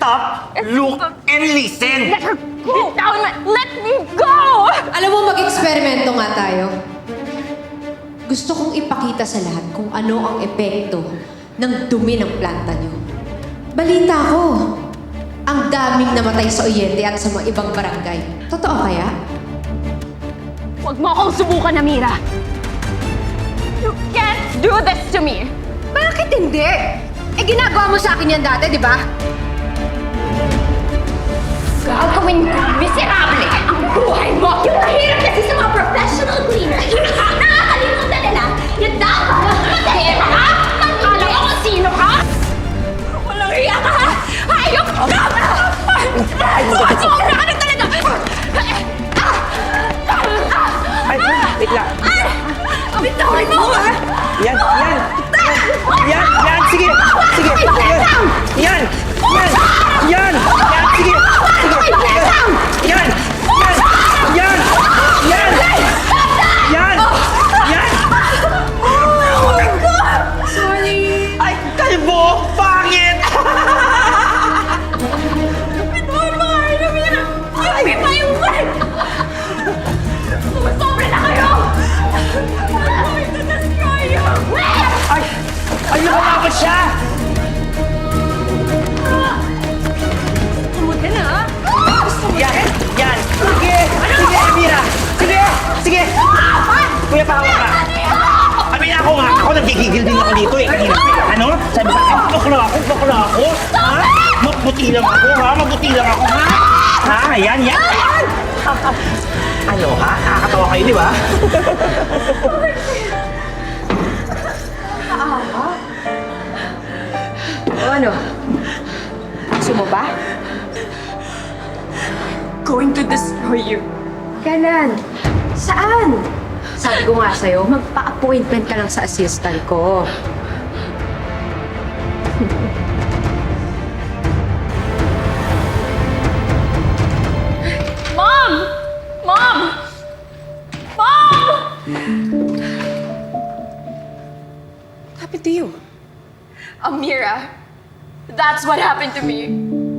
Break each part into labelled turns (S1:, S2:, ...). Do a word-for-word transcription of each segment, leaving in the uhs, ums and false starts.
S1: Stop, look, and listen!
S2: Let her go! Down! Let me go!
S3: Alam mo, mag-eksperimento nga tayo. Gusto kong ipakita sa lahat kung ano ang epekto ng dumi ng planta nyo. Balita ko, ang daming namatay sa Oyente at sa mga ibang barangay. Totoo kaya?
S2: Huwag mo akong subukan, Amira! You can't do this to me!
S3: Bakit hindi? Eh, ginagawa mo sa akin yan dati, di ba?
S2: Gagawin ko miserable ang buhay mo! Yung mahirap kasi sa mga professional cleaner, nakakalimutan nila yung dapat matahira ka! Alam mo kung sino ka? Walang hiya ka, ha? Hayop ka! Sobra ka na talaga!
S1: Ay, wait lang.
S2: Bitawan mo, ha?
S1: Yan, yan! Yan, yan! Sige! Sige! Yan! Yan! Yan! Yan! Yan! Sige! Sige! Yan! Yan! Yan! Yan! Yan! Yan!
S2: Oh my God! Sorry!
S1: Ay, kalbo! Pangit!
S2: Bitawan mo, ha? Namira! Give me my word! Sumusobra na kayo! I'm going to destroy you!
S1: Ay! Ay, nakalapit siya!
S2: Tumod ka na, ha?
S1: Yan! Yan! Sige! Sige, Amira! Sige! Sige! Kuya, pahawa ka! Amira, ako nga! Ako nagigigil din ako dito eh! Kanina, ano? Sabi sa akin, bakla ako, bakla ako! Ha? Mabuti lang ako, ha? Mabuti lang ako, ha? Ha? Yan, yan! Ano, ha? Nakakatawa kayo, di ba?
S3: O ano? Gusto mo ba?
S2: Going to destroy you.
S3: Kailan? Saan? Sabi ko nga sa'yo, magpa-appointment ka lang sa assistant ko.
S2: Mom! Mom! Mom!
S3: What happened to you?
S2: Amira, that's what happened to me.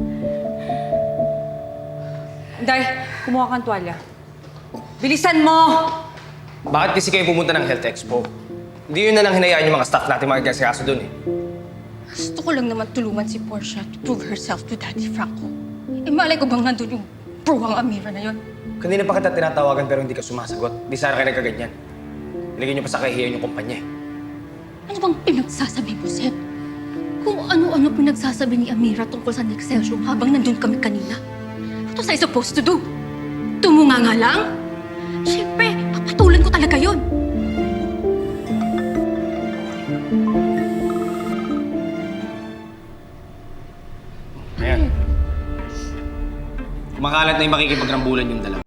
S4: Day, kumuha kang tuwalya. Bilisan mo!
S5: Bakit kasi kayo pumunta ng Health Expo? Hindi yun na lang hinayaan yung mga staff natin magkasikaso dun eh.
S6: Gusto ko lang naman tulungan si Portia to prove herself to Daddy Franco. Eh, malay ko bang nandun yung bruwang Amira na yun?
S5: Kanina pa kita tinatawagan pero hindi ka sumasagot. Di sana kayo nagkaganyan. Ilagay niyo pa sa kahihiyan yung kumpanya eh.
S6: Ano bang pinagsasabi mo, Seth? Kung ano-ano pinagsasabi ni Amira tungkol sa Nexcelsior habang nandun kami kanina. What was I supposed to do? Tumunga nga lang? Siyempre, papatulan ko talaga yun.
S5: Ayan. Kumakalat na yung makikipagrambulan yung dalawa.